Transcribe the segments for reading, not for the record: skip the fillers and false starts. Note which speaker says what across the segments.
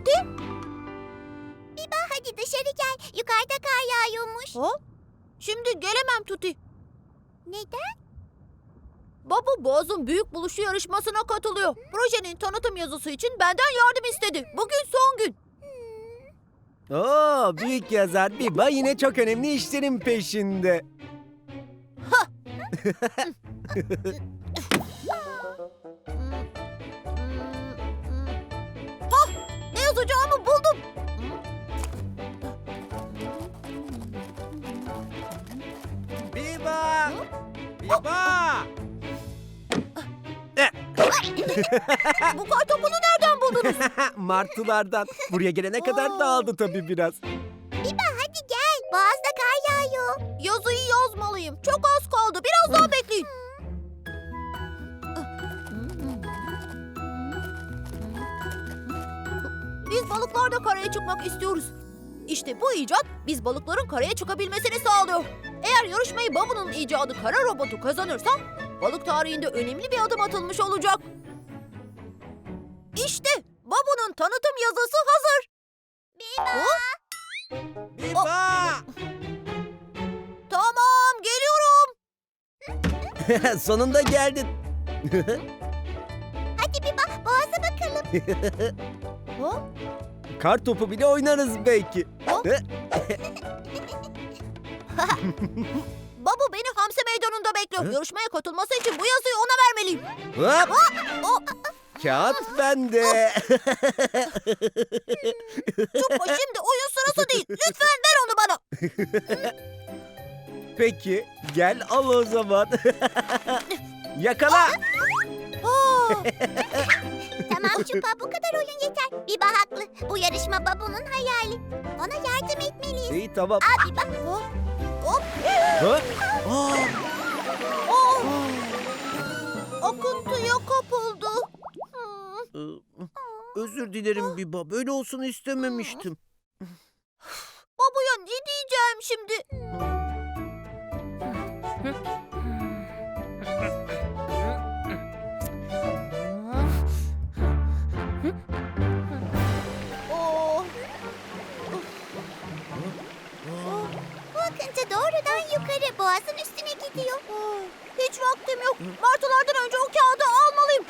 Speaker 1: Tuti?
Speaker 2: Biba hadi dışarı gel. Yukarıda kar yağıyormuş.
Speaker 1: Ha? Şimdi gelemem Tuti.
Speaker 2: Neden?
Speaker 1: Baba Boğaz'ın büyük buluşu yarışmasına katılıyor. Projenin tanıtım yazısı için benden yardım istedi. Bugün son gün.
Speaker 3: Oo, büyük yazar Biba yine çok önemli işlerin peşinde.
Speaker 1: Ne yazacağımı buldum.
Speaker 3: Biba! Biba!
Speaker 1: Bu kar topunu nereden buldunuz?
Speaker 3: Martılardan. Buraya gelene kadar dağıldı tabii biraz.
Speaker 2: Biba hadi gel. Boğazda kar yağıyor.
Speaker 1: Yazıyı yazmalıyım. Çok az kaldı. Biraz daha bekleyin. Biz balıklar da karaya çıkmak istiyoruz. İşte bu icat biz balıkların karaya çıkabilmesini sağlıyor. Eğer yarışmayı Babu'nun icadı kara robotu kazanırsa balık tarihinde önemli bir adım atılmış olacak. İşte Babu'nun tanıtım yazısı hazır.
Speaker 2: Biba.
Speaker 3: Biba!
Speaker 1: Tamam, geliyorum.
Speaker 3: Sonunda geldin.
Speaker 2: Hadi Biba boğaza bakalım.
Speaker 1: Ha?
Speaker 3: Kar topu bile oynarız belki.
Speaker 1: Babu beni Hamsi Meydanı'nda bekliyor. Yarışmaya katılması için bu yazıyı ona vermeliyim.
Speaker 3: Hop!
Speaker 1: O,
Speaker 3: Kağıt bende.
Speaker 1: Çupa şimdi oyun sırası değil. Lütfen ver onu bana.
Speaker 3: Peki, gel al o zaman. Yakala.
Speaker 2: Tamam Çupa bu kadar oyun yeter. Biba haklı. Bu yarışma Babu'nun hayali. Ona yardım etmeliyiz.
Speaker 3: İyi tamam.
Speaker 2: Al Biba.
Speaker 1: Hop.
Speaker 3: Ha? Aa,
Speaker 1: Oh. Akıntıya kapıldı.
Speaker 3: özür dilerim Biba. Böyle olsun istememiştim.
Speaker 1: Babuya ne diyeceğim şimdi? Oh.
Speaker 2: Bu akıntı doğrudan yukarı boğazın üstüne gidiyor.
Speaker 1: Hiç vaktim yok. Martılardan önce o kağıdı almalıyım.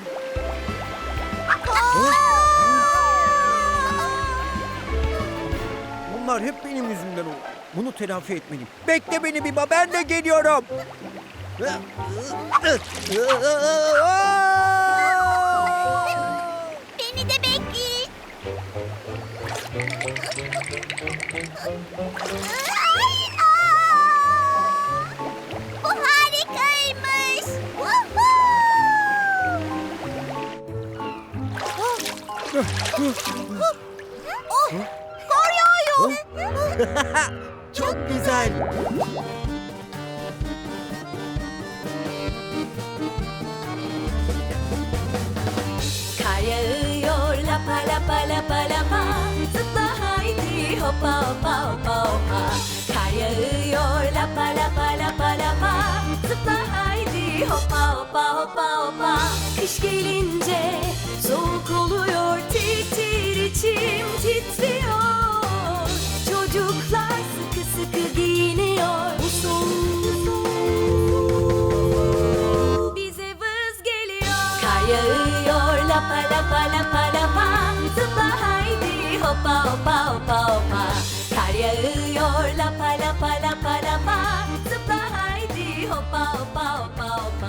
Speaker 3: Bunlar hep benim yüzümden oldu. Bunu telafi etmeliyim. Bekle beni Biba, ben de geliyorum.
Speaker 2: Beni de bekleyin. Ay, aa! Bu harikaymış.
Speaker 1: Kar yağıyor.
Speaker 3: Çok güzel.
Speaker 4: Kar yağıyor lapa lapa lapa lapa. Zıpla haydi hoppa hoppa hoppa hoppa. Kar yağıyor lapa lapa lapa lapa. Zıpla haydi hoppa hoppa hoppa hoppa. Kış gelince soğuk oluyor, tir tir içim titriyor. Çocuklar sıkı sıkı giyiniyor. Bu soğuk bize vız geliyor. Kar yağıyor lapa lapa lapa lapa. Zıpla haydi hoppa hoppa hoppa hoppa. Kar yağıyor lapa lapa lapa lapa. Zıpla haydi hoppa hoppa hoppa hoppa.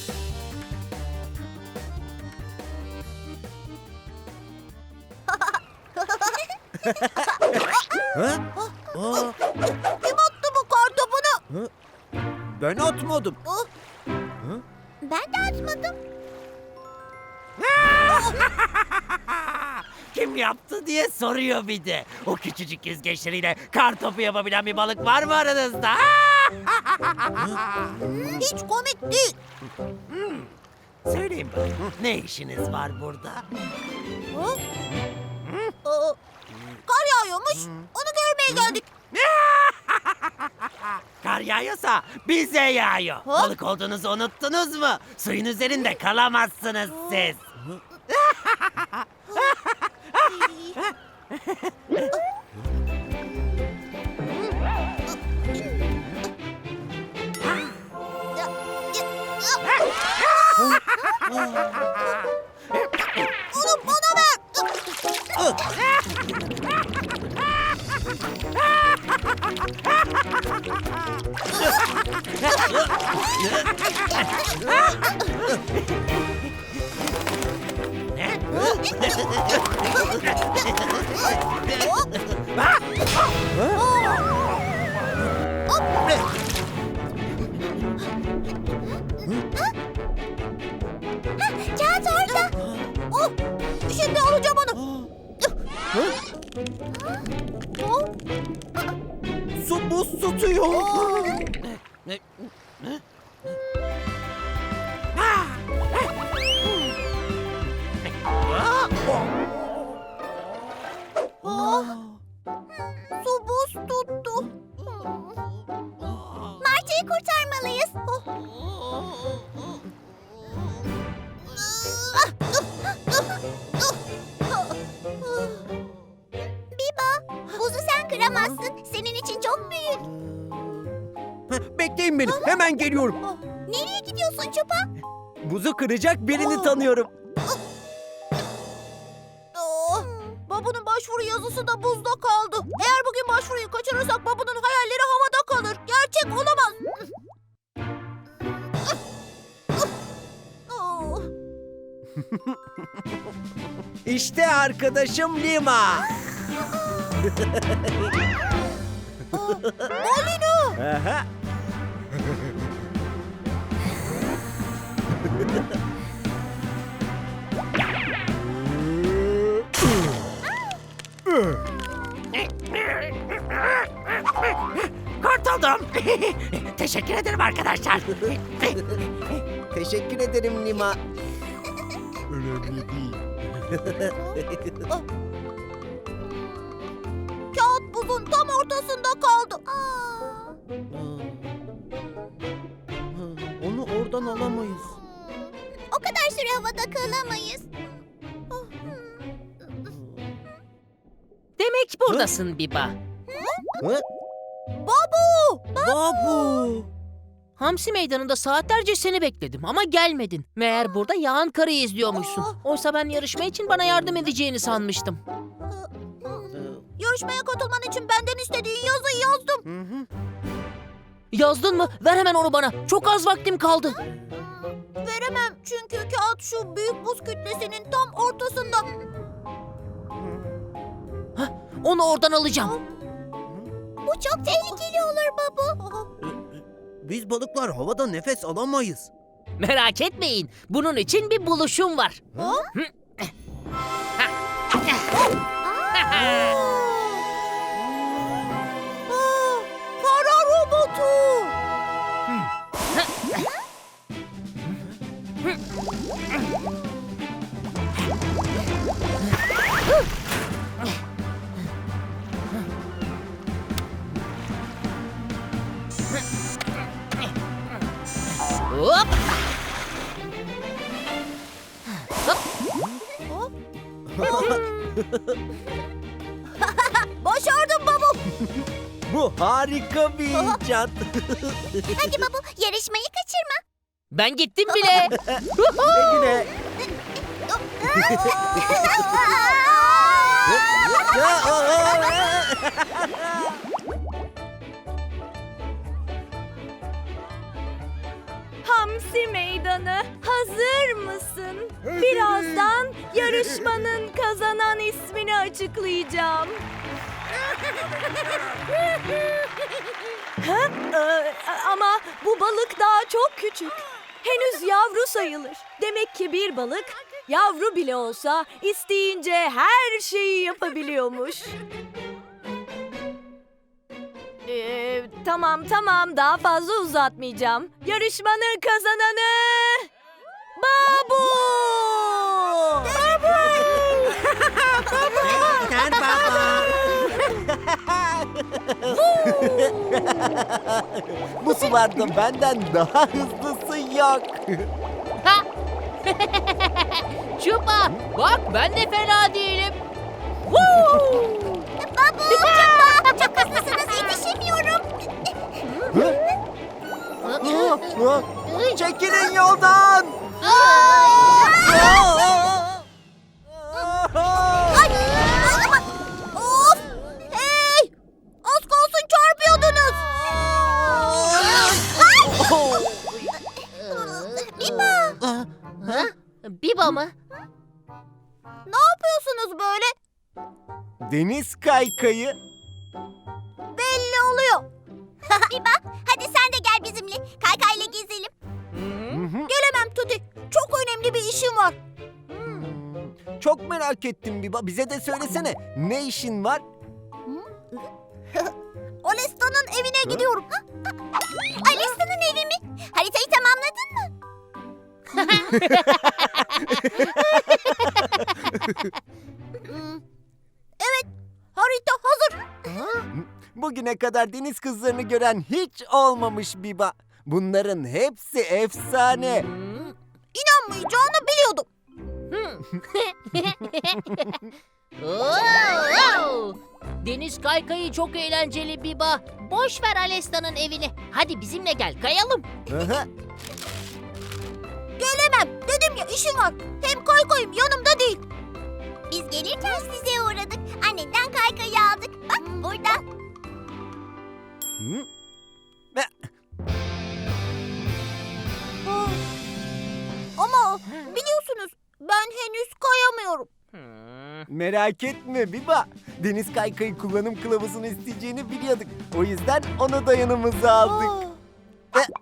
Speaker 3: Ha? Aa,
Speaker 1: Kim attı bu kar topunu?
Speaker 3: ben atmadım.
Speaker 2: Ben de atmadım.
Speaker 5: Kim yaptı diye soruyor bir de. O küçücük yüzgeçleriyle kar topu yapabilen bir balık var mı aranızda?
Speaker 1: Hiç komik değil.
Speaker 5: Söyleyin bakayım, ne işiniz var burada?
Speaker 1: Kar yağıyormuş. Onu görmeye geldik.
Speaker 5: Kar yağıyorsa bize yağıyor.
Speaker 1: Ha?
Speaker 5: Balık olduğunuzu unuttunuz mu? Suyun üzerinde kalamazsınız siz.
Speaker 2: Kağıt orada.
Speaker 1: Oh, şimdi alacağım onu.
Speaker 3: Su buz tutuyor.
Speaker 1: Su buz tuttu.
Speaker 2: Martı'yı kurtarmalıyız. Biba, buzu sen kıramazsın. Senin için çok büyük.
Speaker 3: Bekleyin beni. Hemen geliyorum.
Speaker 2: Nereye gidiyorsun Çupa?
Speaker 3: Buzu kıracak birini tanıyorum.
Speaker 1: Babu'nun başvuru yazısı da buzda kaldı. Eğer bugün başvuruyu kaçırırsak Babu'nun hayalleri havada kalır. Gerçek olamaz.
Speaker 3: İşte arkadaşım Lima.
Speaker 1: Balino.
Speaker 3: Aha.
Speaker 5: Kurtuldum. Teşekkür ederim arkadaşlar.
Speaker 3: Teşekkür ederim Lima. Önemli değil.
Speaker 1: Kağıt buzun tam ortasında kaldı.
Speaker 3: Onu oradan alamayız.
Speaker 2: O kadar süre havada kalamayız.
Speaker 6: Demek buradasın Biba.
Speaker 3: Hı? Babu.
Speaker 6: Hamsi meydanında saatlerce seni bekledim ama gelmedin. Meğer burada yağan karayı izliyormuşsun. Oysa ben yarışma için bana yardım edeceğini sanmıştım.
Speaker 1: Yarışmaya katılman için benden istediğin yazıyı yazdım.
Speaker 3: Hı hı.
Speaker 6: Yazdın mı? Ver hemen onu bana. Çok az vaktim kaldı.
Speaker 1: Veremem çünkü kağıt şu büyük buz kütlesinin tam ortasında.
Speaker 6: Onu oradan alacağım.
Speaker 2: Bu çok tehlikeli olur babu.
Speaker 3: Biz balıklar havada nefes alamayız.
Speaker 6: Merak etmeyin. Bunun için bir buluşum var.
Speaker 1: Kara robotu.
Speaker 6: Hop.
Speaker 1: Başardım babu.
Speaker 3: Bu harika bir icat.
Speaker 2: Hadi babu, yarışmayı kaçırma.
Speaker 6: Ben gittim bile.
Speaker 3: Güle.
Speaker 4: Hamsi meydanı, hazır mısın? Birazdan yarışmanın kazanan ismini açıklayacağım. Ha? Ama bu balık daha çok küçük. Henüz yavru sayılır. Demek ki bir balık yavru bile olsa isteyince her şeyi yapabiliyormuş. Tamam daha fazla uzatmayacağım. Yarışmanın kazananı Babu!
Speaker 3: Yeter baba. Bu sularda benden daha hızlısı yok.
Speaker 6: Çupa, bak ben de fena değilim.
Speaker 2: Babu, Çupa, çok hızlısınız, yetişemiyorum.
Speaker 3: Çekilin yoldan.
Speaker 1: Ay, ama, of! Hey! Az kalsın çarpıyordunuz. Ay! bakıyorsunuz böyle?
Speaker 3: Deniz kaykayı.
Speaker 1: Belli oluyor.
Speaker 2: Biba, hadi sen de gel bizimle. Kaykayla gezelim.
Speaker 1: Gelemem Tuti. Çok önemli bir işim var.
Speaker 3: Çok merak ettim Biba. Bize de söylesene. Ne işin var?
Speaker 1: Alesta'nın evine gidiyorum.
Speaker 2: Alista'nın evi mi? Haritayı tamamladın mı?
Speaker 1: Evet, harita hazır.
Speaker 3: Bugüne kadar deniz kızlarını gören hiç olmamış Biba. Bunların hepsi efsane.
Speaker 1: İnanmayacağını biliyordum.
Speaker 6: Oo! Deniz kaykayı çok eğlenceli Biba. Boş ver Alesta'nın evini. Hadi bizimle gel kayalım.
Speaker 3: Aha.
Speaker 1: Gelemem. Dedim ya işim var. Hem kaykayım yanımda değil.
Speaker 2: Biz gelirken size uğradık. Annenden kaykayı aldık. Bak burada.
Speaker 3: Hı?
Speaker 1: Ah. Ama biliyorsunuz ben henüz kayamıyorum.
Speaker 3: Merak etme Biba. Deniz kaykayı kullanım kılavuzunu isteyeceğini biliyorduk. O yüzden onu da yanımıza aldık.
Speaker 1: Ah.
Speaker 3: Eh.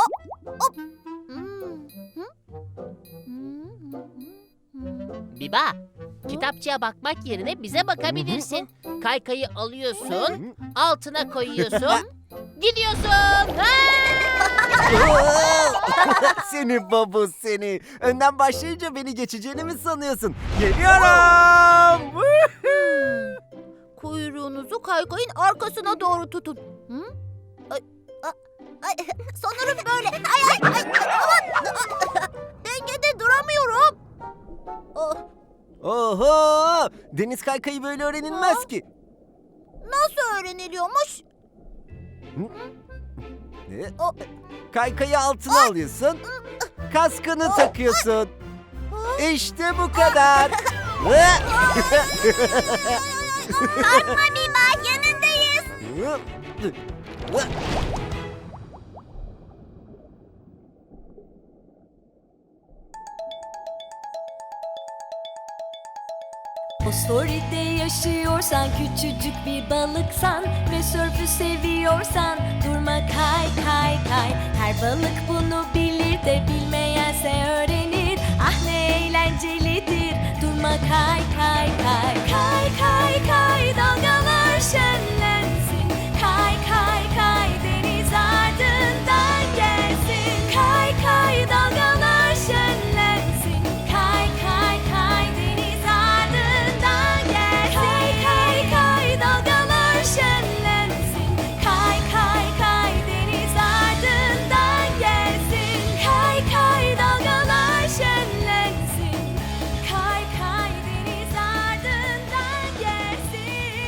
Speaker 6: Biba, kitapçıya bakmak yerine bize bakabilirsin. Kaykayı alıyorsun, altına koyuyorsun, gidiyorsun.
Speaker 3: Seni babu seni. Önden başlayınca beni geçeceğini mi sanıyorsun? Geliyorum.
Speaker 1: Kuyruğunuzu kaykayın arkasına doğru tutun. Hı? Ay, sanırım böyle. Aman. Dengede duramıyorum. Oh,
Speaker 3: Oho! Deniz kaykayı böyle öğrenilmez ki.
Speaker 1: nasıl öğreniliyormuş?
Speaker 3: Kaykayı altına alıyorsun. Kaskını takıyorsun. İşte bu kadar.
Speaker 2: Korkma Biba, yanındayız.
Speaker 4: Fosforite yaşıyorsan, küçücük bir balıksan ve sörfü seviyorsan, durma kay kay kay. Her balık bunu bilir de bilmeyense öğrenir. Ah ne eğlencelidir, durma kay kay kay. Kay kay kay, dalgalar şenlensin. Kay kay kay, deniz ardından gelsin. Kay kay, dalgalar şenlensin. Kay kay kay, deniz ardından gelsin. Kay kay kay, dalgalar şenlensin. Kay kay kay, deniz ardından gelsin. Kay kay, dalgalar şenlensin. Kay kay, deniz ardından gelsin.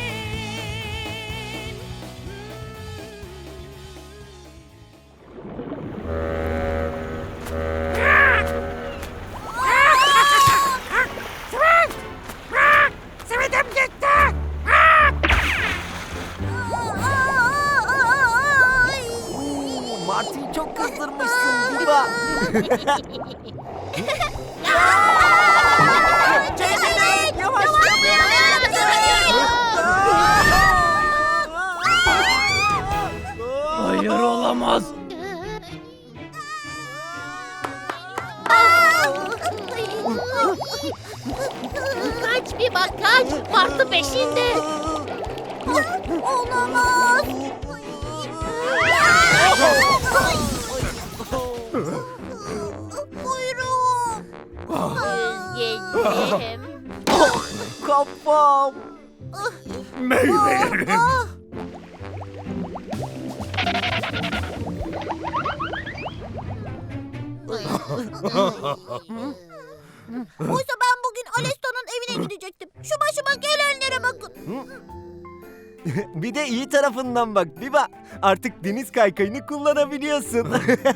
Speaker 3: Martı'yı çok kızdırmışsın Biba. Çekilin, yavaş.
Speaker 5: Hayır olamaz.
Speaker 6: Kaç Biba kaç, Martı peşinde.
Speaker 1: Olamaz. Kuyruğum.
Speaker 6: Üzgünüm.
Speaker 3: Kafam.
Speaker 5: Meyvelerim.
Speaker 1: Oysa ben bugün Alesta'nın evine gidecektim. Şu başıma gelenlere bakın.
Speaker 3: Bir de iyi tarafından bak Biba. Artık deniz kaykayını kullanabiliyorsun.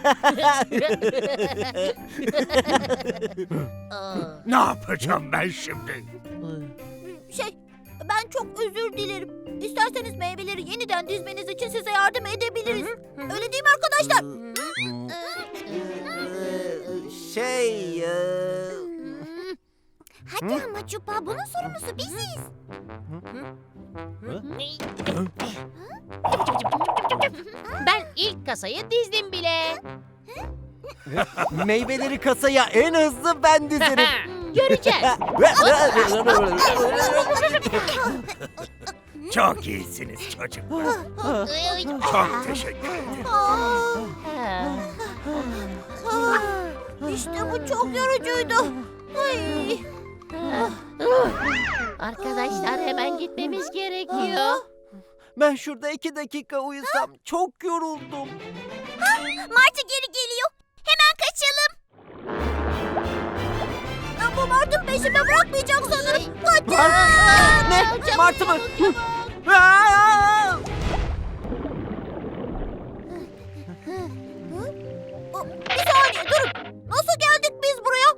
Speaker 5: Ne yapacağım ben şimdi?
Speaker 1: Ben çok özür dilerim. İsterseniz meyveleri yeniden dizmeniz için size yardım edebiliriz. Öyle değil mi arkadaşlar?
Speaker 2: Hadi ama Çupa, bunun sorumlusu biziz.
Speaker 6: Ben ilk kasayı dizdim bile.
Speaker 3: Meyveleri kasaya en hızlı ben dizerim.
Speaker 6: Göreceğiz.
Speaker 5: Çok iyisiniz çocuklar. Çok teşekkür ederim.
Speaker 1: İşte bu çok yorucuydu. Ay.
Speaker 6: Arkadaşlar hemen gitmemiz gerekiyor.
Speaker 3: Ben şurada 2 dakika uyusam çok yoruldum.
Speaker 2: Martı geri geliyor. Hemen kaçalım.
Speaker 1: Bu Mart'ın peşimi bırakmayacak sanırım. Kaçın.
Speaker 3: Ne? Martı mı? Aa!
Speaker 1: Bir saniye durun. Nasıl geldik biz buraya?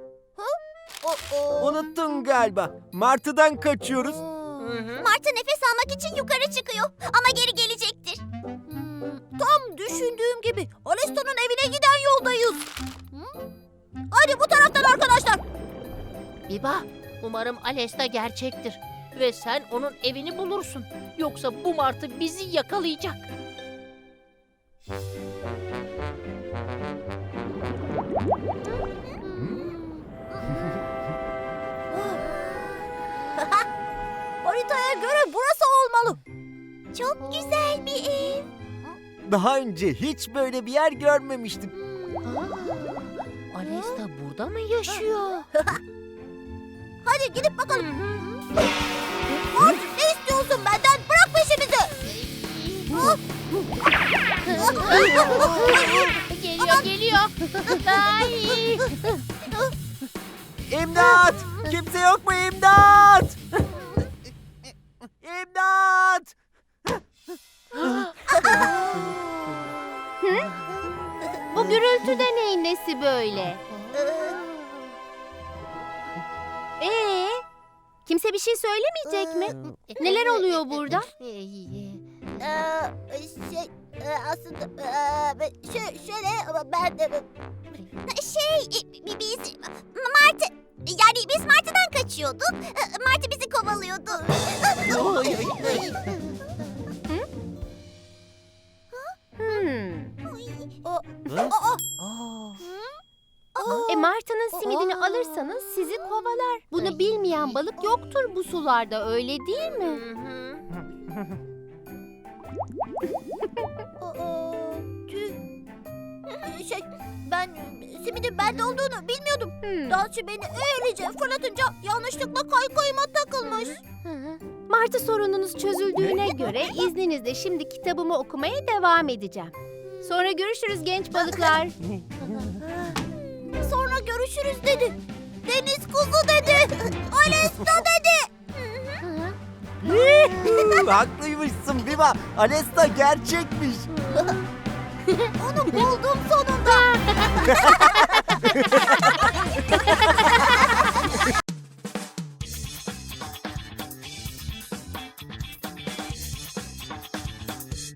Speaker 3: Unuttun galiba. Martı'dan kaçıyoruz.
Speaker 2: Martı nefes almak için yukarı çıkıyor. Ama geri gelecektir.
Speaker 1: Tam düşündüğüm gibi Alesta'nın evine giden yoldayız. Hadi bu taraftan arkadaşlar.
Speaker 6: Biba, umarım Alesta gerçektir. Ve sen onun evini bulursun. Yoksa bu martı bizi yakalayacak.
Speaker 1: Haritaya göre burası olmalı.
Speaker 2: Çok güzel bir ev.
Speaker 3: Daha önce hiç böyle bir yer görmemiştim.
Speaker 6: Alesta burada mı yaşıyor?
Speaker 1: Hadi gidip bakalım. Mart ne istiyorsun benden? Bırak peşimizi.
Speaker 6: Geliyor. Ay.
Speaker 3: İmdat! Kimse yok mu imdat? İmdat!
Speaker 2: Bu gürültü de neyin nesi böyle? Kimse bir şey söylemeyecek mi? Neler oluyor burada?
Speaker 1: Aslında şöyle ben de...
Speaker 2: Biz Martı, yani biz Martı'dan kaçıyorduk. Martı bizi kovalıyordu.
Speaker 7: Martı'nın simidini alırsanız sizi kovalar. Bunu bilmeyen balık yoktur bu sularda, öyle değil mi?
Speaker 1: Ben simidin bende olduğunu bilmiyordum. Dansçı beni öylece fırlatınca yanlışlıkla kaykayıma takılmış.
Speaker 7: Martı sorununuz çözüldüğüne göre izninizle şimdi kitabımı okumaya devam edeceğim. Sonra görüşürüz genç balıklar.
Speaker 1: Sonra görüşürüz dedi. Deniz kuzu dedi. Alesta dedi.
Speaker 3: Haklıymışsın Biba. Alesta gerçekmiş.
Speaker 1: Onu buldum sonunda.